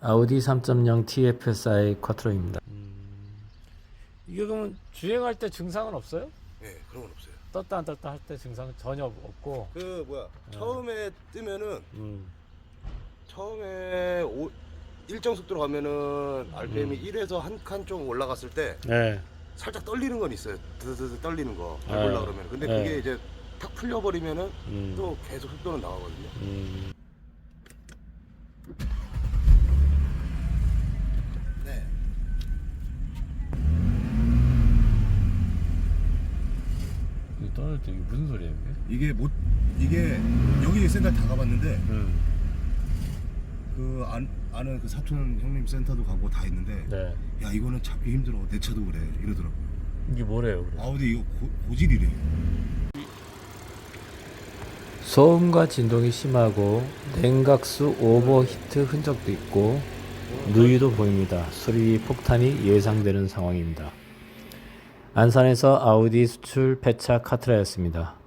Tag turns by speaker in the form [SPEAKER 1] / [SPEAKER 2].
[SPEAKER 1] 아우디 3.0 TFSI 쿼트로입니다. 이게 그러면 주행할 때 증상은 없어요?
[SPEAKER 2] 네, 그런 건 없어요.
[SPEAKER 1] 떴다 안 떴다 할 때 증상은 전혀 없고.
[SPEAKER 2] 처음에 뜨면은 처음에 일정 속도로 가면은 RPM이 1에서 한 칸 좀 올라갔을 때
[SPEAKER 1] 네.
[SPEAKER 2] 살짝 떨리는 건 있어요. 드드드 떨리는 거
[SPEAKER 1] 네.
[SPEAKER 2] 밟으려 그러면. 근데
[SPEAKER 1] 네.
[SPEAKER 2] 그게 이제 탁 풀려버리면은 또 계속 속도는 나가거든요. 네.
[SPEAKER 1] 이거 떠날 때 이게 무슨 소리예요?
[SPEAKER 2] 이게 여기 센터 다 가봤는데 그 아는 그 사촌 형님 센터도 가고 다 했는데
[SPEAKER 1] 네.
[SPEAKER 2] 야 이거는 잡기 힘들어. 내 차도 그래 이러더라고.
[SPEAKER 1] 이게 뭐래요? 그래?
[SPEAKER 2] 아우디 이거 고질이래.
[SPEAKER 1] 소음과 진동이 심하고 냉각수 오버히트 흔적도 있고 누유도 보입니다. 수리 폭탄이 예상되는 상황입니다. 안산에서 아우디 수출 폐차 카트라였습니다.